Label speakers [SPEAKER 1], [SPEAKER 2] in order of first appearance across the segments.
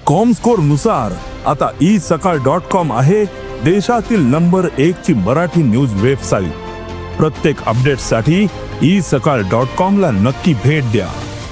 [SPEAKER 1] Comscore नुसार आता isakal.com आहे देशातील नंबर 1 ची मराठी न्यूज वेबसाईट। प्रत्येक अपडेटसाठी isakal.com ला नक्की भेट द्या।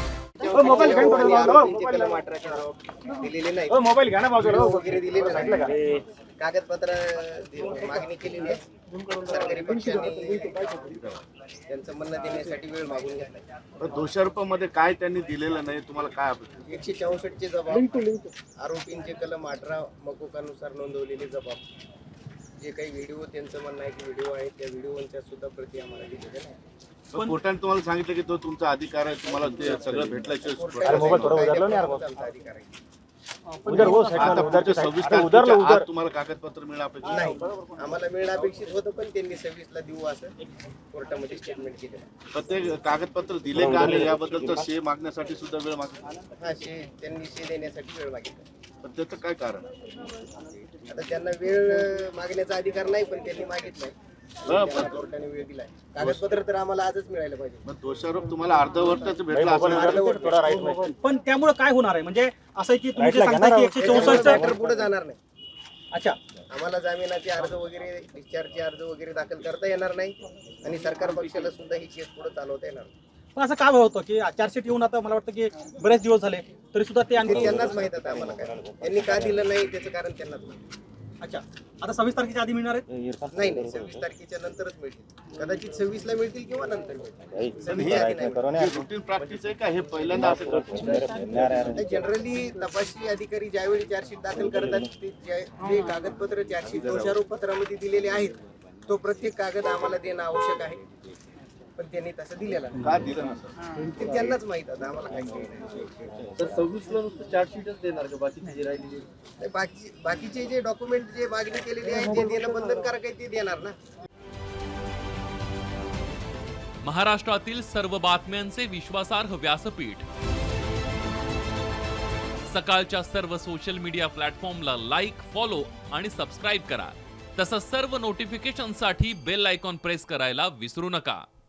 [SPEAKER 2] मोबाईल घ्या ना बाजूला
[SPEAKER 3] वगैरे दिलेले नाही, कागदपत्र मागणी केलेली आहे। सरकारी पक्षाने त्यांचं म्हणणं देण्यासाठी वेळ मागून घेतला।
[SPEAKER 2] दोषारोपामध्ये काय त्यांनी दिलेलं नाही, तुम्हाला काय अपेक्षा?
[SPEAKER 3] 164 चे जबाब, आरोपींचे कलम 18 मकोकानुसार नोंदवलेले जबाब, जे काही व्हिडिओ त्यांचं म्हणणं आहे की व्हिडिओ आहे, त्या व्हिडिओच्या सुद्धा प्रती आम्हाला दिलेल्या नाही।
[SPEAKER 2] पण कोर्टाने तुम्हाला सांगितलं की तो तुमचा अधिकार आहे, तुम्हाला ते सगळं भेटल्याशिवाय
[SPEAKER 3] अधिकार आहे।
[SPEAKER 2] आता पुढच्या 26 तारखेच्या आत तुम्हाला कागदपत्र मिळणं अपेक्षित
[SPEAKER 3] नाही, आम्हाला मिळणं अपेक्षित होतं, पण त्यांनी 26 ला देऊ असं कोर्टामध्ये स्टेटमेंट केलं।
[SPEAKER 2] प्रत्येक कागदपत्र दिले का नाही याबद्दलचा शे मागण्यासाठी सुद्धा वेळ मागितला?
[SPEAKER 3] हा, त्यांनी शे देण्यासाठी वेळ मागितला।
[SPEAKER 2] पण त्याचं काय कारण?
[SPEAKER 3] आता त्यांना वेळ मागण्याचा अधिकार नाही, पण त्यांनी मागितलाय, कोर्टाने वेळ दिलाय। कागदपत्र तर आम्हाला आजच मिळायला पाहिजे।
[SPEAKER 2] मग दोषारोप तुम्हाला अर्धवटच भेटला असं?
[SPEAKER 4] पण त्यामुळे काय होणार आहे? म्हणजे असं की तुम्ही जे सांगता की 164
[SPEAKER 3] पुढे जाणार नाही।
[SPEAKER 4] अच्छा,
[SPEAKER 3] आम्हाला जामिनाचे अर्ज वगैरे, डिस्चार्जचे अर्ज वगैरे दाखल करता येणार नाही, आणि सरकार पक्षाला सुद्धा ही केस पुढे चालवता येणार नाही।
[SPEAKER 4] पण असं काय होतं की चार्जशीट येऊन आता मला वाटतं की बरेच दिवस झाले तरी सुद्धा ते आणखी
[SPEAKER 3] त्यांनाच माहित आहे आम्हाला काय त्यांनी का दिलं नाही त्याचं कारण त्यांनाच माहित।
[SPEAKER 4] अच्छा, आता 26 तारखेच्या आधी मिळणार आहेत?
[SPEAKER 3] नाही, 26 तारखेच्या नंतरच मिळतील, कदाचित 26 ला मिळतील किंवा नंतर मिळतील। 26 च्या आधी नाही।
[SPEAKER 2] रुटीन प्रॅक्टिस आहे का हे पहिल्यांदा असं करतो?
[SPEAKER 3] जनरली तपासणी अधिकारी ज्यावेळी चार्जशीट दाखल करतात, ते जे कागदपत्र चार्जशीट दोषारोप पत्रामध्ये दिलेले आहेत, तो प्रत्येक कागद आम्हाला देणं आवश्यक आहे, पण त्यांनी तसं दिलेलं नाही।
[SPEAKER 2] का दिलं नसेल
[SPEAKER 3] ते त्यांनाच माहित आहे, आम्हाला काही नाही।
[SPEAKER 5] तर 26 ला नुसतं चार्जशीटच देणार का? बाकीचे जे राहिलेले
[SPEAKER 3] बाकीचे जे डॉक्युमेंट जे मागणी केलेली आहे, जे देणं बंधनकारक आहे, ते देणार ना।
[SPEAKER 6] महाराष्ट्रातील सर्व बातम्यांचे विश्वासार्ह व्यासपीठ, सकाळच्या सर्व सोशल मीडिया प्लॅटफॉर्मला लाईक, फॉलो आणि सबस्क्राईब करा। तसंच सर्व नोटिफिकेशनसाठी बेल आयकॉन प्रेस करायला विसरू नका।